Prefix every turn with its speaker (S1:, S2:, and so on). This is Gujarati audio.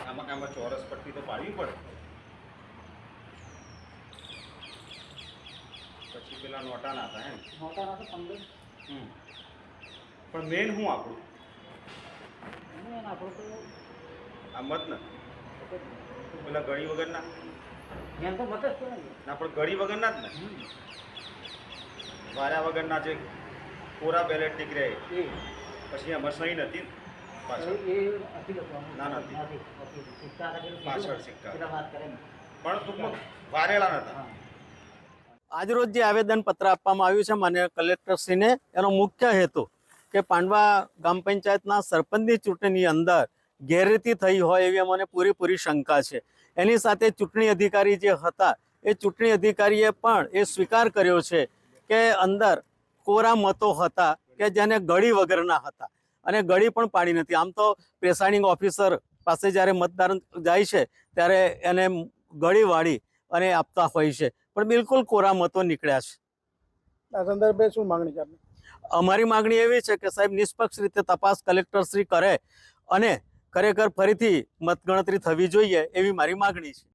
S1: આમાં ચોરસ પટ્ટી તો પાડવી પડે. પછી પેલા નોટા ના હતા હે ને?
S2: મોટા ના તો 15.
S1: પણ મેન શું આપણું
S2: મેન આપણું તો
S1: આ મત ને પેલા ગળી વગરના
S2: મેન તો મત જ કહેવાય ને.
S1: ના, પણ ગળી વગરના જ ને, વાર્યા વગરના જે કોરા બેલેટ નીકળે
S2: એ
S1: પછી એમાં સહી નથી પાછળ.
S2: એ નથી લખવાનું.
S1: ના, નથી.
S2: સિક્કા હતા પેલું
S1: પાછળ
S2: કીધું ને,
S1: સિક્કા.
S2: પેલા વાત કરે ને.
S1: પણ ટૂંકમાં વારેલા નતા.
S2: હા.
S3: આજરોજ જે આવેદનપત્ર આપવામાં આવ્યું છે માન્ય કલેક્ટરશ્રીને, એનો મુખ્ય હેતુ કે પાંડવા ગ્રામ પંચાયતના સરપંચની ચૂંટણીની અંદર ગેરરીતિ થઈ હોય એવી અમને પૂરેપૂરી શંકા છે. એની સાથે ચૂંટણી અધિકારી જે હતા એ ચૂંટણી અધિકારીએ પણ એ સ્વીકાર કર્યો છે કે અંદર કોરા મતો હતા કે જેને ગળી વગરના હતા અને ગળી પણ પાડી નથી. આમ તો પ્રિસાઇડિંગ ઓફિસર પાસે જ્યારે મતદાર જાય છે ત્યારે એને ગળી વાળી અને આપતા હોય છે, પણ બિલકુલ કોરા મતો નીકળ્યા છે.
S4: આ સંદર્ભે શું માંગણી છે આપની?
S3: અમારી માંગણી એવી છે કે સાહેબ નિષ્પક્ષ રીતે તપાસ કલેક્ટરશ્રી કરે અને ખરેખર ફરીથી મતગણતરી થવી જોઈએ એવી મારી માંગણી છે.